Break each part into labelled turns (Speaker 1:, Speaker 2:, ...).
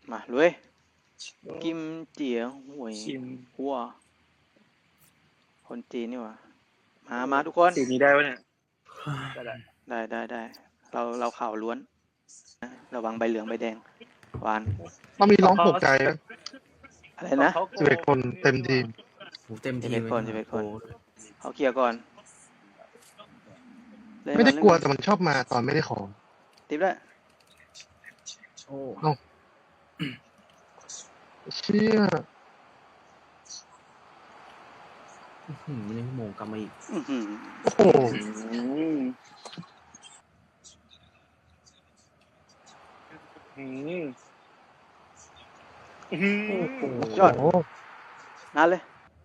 Speaker 1: มาเลยกิมเจียหวย
Speaker 2: ชิม
Speaker 1: หัวคนจีนนี่หว่ามาทุกคน
Speaker 2: สีนี้ได้ปะเนี่ยได้
Speaker 1: เราข่าวล้วนนะระวังใบเหลืองใบแดงหวาน
Speaker 3: ต้องมีร้องปลุกใจไหม
Speaker 1: อะไรนะ
Speaker 3: 11 คนเต็มทีม
Speaker 4: เต็มทีม
Speaker 1: 11 คนเขาเคลียร์ก่อนล่น
Speaker 3: ไม่ได้
Speaker 1: น
Speaker 3: กลัวแต่มันชอบมาตอนไม่ได้ของ
Speaker 1: ติ๊บแล้ว
Speaker 2: โอ้
Speaker 3: เชี่ย
Speaker 4: ไม่ได้โมงกลับมาอีก
Speaker 1: อื้อหือ
Speaker 3: โอ้โห
Speaker 1: ยอด
Speaker 3: โอ้โห
Speaker 1: นั่นเลย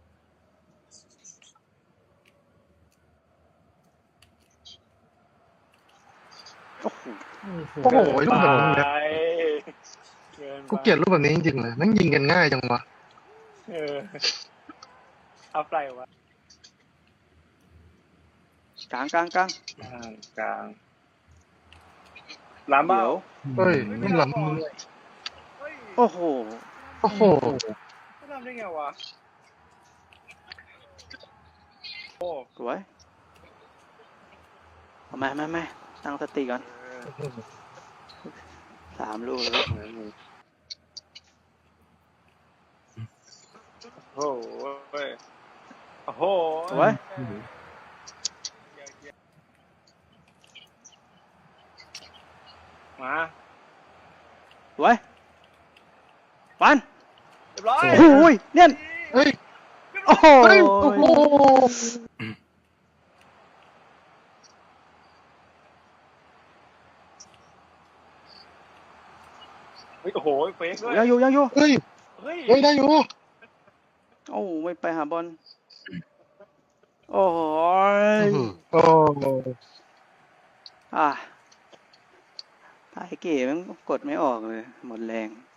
Speaker 1: โอ้โห
Speaker 3: โอ้โหไอ้ลูกแบบนี้
Speaker 2: ไป
Speaker 3: กูเกลียดรูปแบบนี้จริงๆเลยแม่งยิงกันง่ายจังวะ
Speaker 2: เอาไปวะ
Speaker 1: กลาง
Speaker 2: กลางล้ำเบ้า
Speaker 1: เดี๋ยว
Speaker 3: เฮ้ยไม่ล้ำมือ
Speaker 1: โอ้โห
Speaker 3: โอ้โห
Speaker 2: ไม่ทำได้ไงวะโอ้
Speaker 1: สวยเอามาตั้งสติก่อน3 ลูกแล้ว
Speaker 2: โอ้โหโอ้โห
Speaker 1: สวย
Speaker 2: มา
Speaker 1: สวยปัน
Speaker 2: เรียบร้อย
Speaker 1: โอ้โหเนี่ย
Speaker 3: เฮ้ย
Speaker 1: โอ้โห
Speaker 3: เฮ้ยโอ้โห
Speaker 2: โอ้โหเฟกด้วย
Speaker 1: ยังอยู่
Speaker 3: เฮ้ย
Speaker 2: เฮ้ย
Speaker 3: เฮ้ยได้อยู่
Speaker 1: โอ้ไม่ไปหาบอลโอ้โห
Speaker 3: โอ้โห
Speaker 1: ไอ้เก๋มันกดไม่ออกเลยหมดแรง